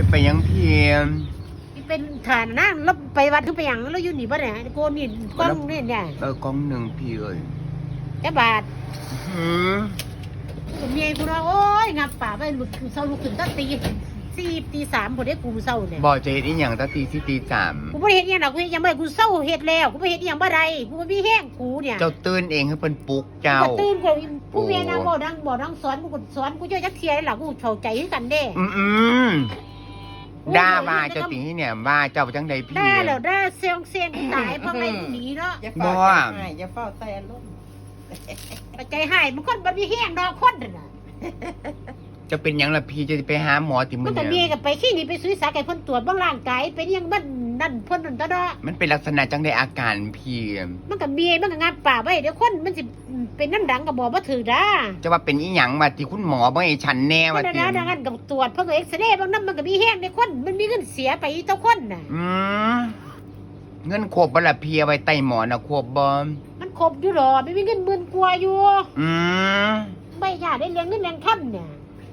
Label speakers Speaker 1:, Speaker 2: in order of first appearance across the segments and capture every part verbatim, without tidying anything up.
Speaker 1: จะไปยังเพียม
Speaker 2: เป็นฐานนะแล้วไปวัดทุกไปอย่างแล้วอยู่นี่บ่เนี่ยโกนนี่กล้องนี่เนี่ย
Speaker 1: เออกล้องหนึ่งพี่เอ้ย
Speaker 2: แค่บาท
Speaker 1: หืม
Speaker 2: เมียกูนะโอ้ยงับป่าไปหลุดเศร้าลุกขึ้นตั้งตีสี่ตีสามผมได้กูเศร้าเนี่ย
Speaker 1: บอกจะเห็นอีหยังตั้งตีสี่ตีสาม
Speaker 2: กูไม่เห็นยังหรอกกูยังไม่กูเศร้าเห็ดแล้วกูไม่เห็นยังบ่ได้กูไม่แห้งกูเนี่ย
Speaker 1: เจ้าตื่นเองให้เป็นปลุกเจ้า
Speaker 2: ตื่นกูผู้เมียนางบ่ดังบ่ดังสอนกูสอนกูเยอะจักเทียหรอกกูเข้าใจกันเด้
Speaker 1: อืมอืมด่าว่าเจ้าตีเนี่ยว่าเจ้าจังใดพี่
Speaker 2: ด่าแล้วด่าเสียงเสียงตายเพราะไม่หนีเนาะ
Speaker 3: บ่อย่าเฝ้าแต่ล้ม
Speaker 2: ใจหายมันคนบ่มีแห้งดอกคนน่ะ
Speaker 1: จะเป็นยังล่ะพี่จะไปหาหมอติมือ
Speaker 2: เนี่ยมันก็มีกับไปขี้นี่ไปซื้อสาไก่พ่นตรวจบ้างร่างกายเป็นยังมันนั่นพ่นนั่นตะเนาะ
Speaker 1: มันเป็นลักษณะจังใดอาการพี่
Speaker 2: มันก็มีมันก็งับป่าไว้เดี๋ยวคนมันสิเป็นน้ำดังกับบอกว่าถือด้า
Speaker 1: จะว่าเป็นอีหยังมาที่คุณหมอบ่ให้ฉันแน่ว่า
Speaker 2: ติดังนั้นกับตรวจเพราะเอ็กซเรย์บางน้ำมันก็มีแห้งในคนมันมีเงินเสียไปเจ้าคนน่ะ
Speaker 1: อืมเงินครบบ่ล่ะพี่เอาไว้ใต้หมอนน่ะครบบ่
Speaker 2: มันครบอยู่หรอไม่มีเงินหมื่นกว่าอยู่
Speaker 1: อืม
Speaker 2: ไม่อยากได้เลี้ยงเงินเลี้ยงค่ำเนี่ย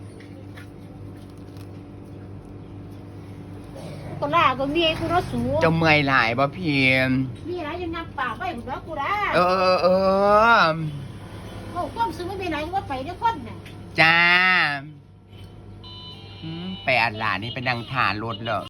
Speaker 2: ก็ล่าก็มีกูรถสูง
Speaker 1: จะเมื่อยหลายบ่พี่
Speaker 2: มีอะไรยังงับปากไว้ผมแล้วกูได้
Speaker 1: เออเออ
Speaker 2: โอ้ความซื้อไม่เป็นไรว่าไปด้วยคนน่ะ
Speaker 1: จ้าไปอัดหลานนี่เป็นดังฐานรถเหรอ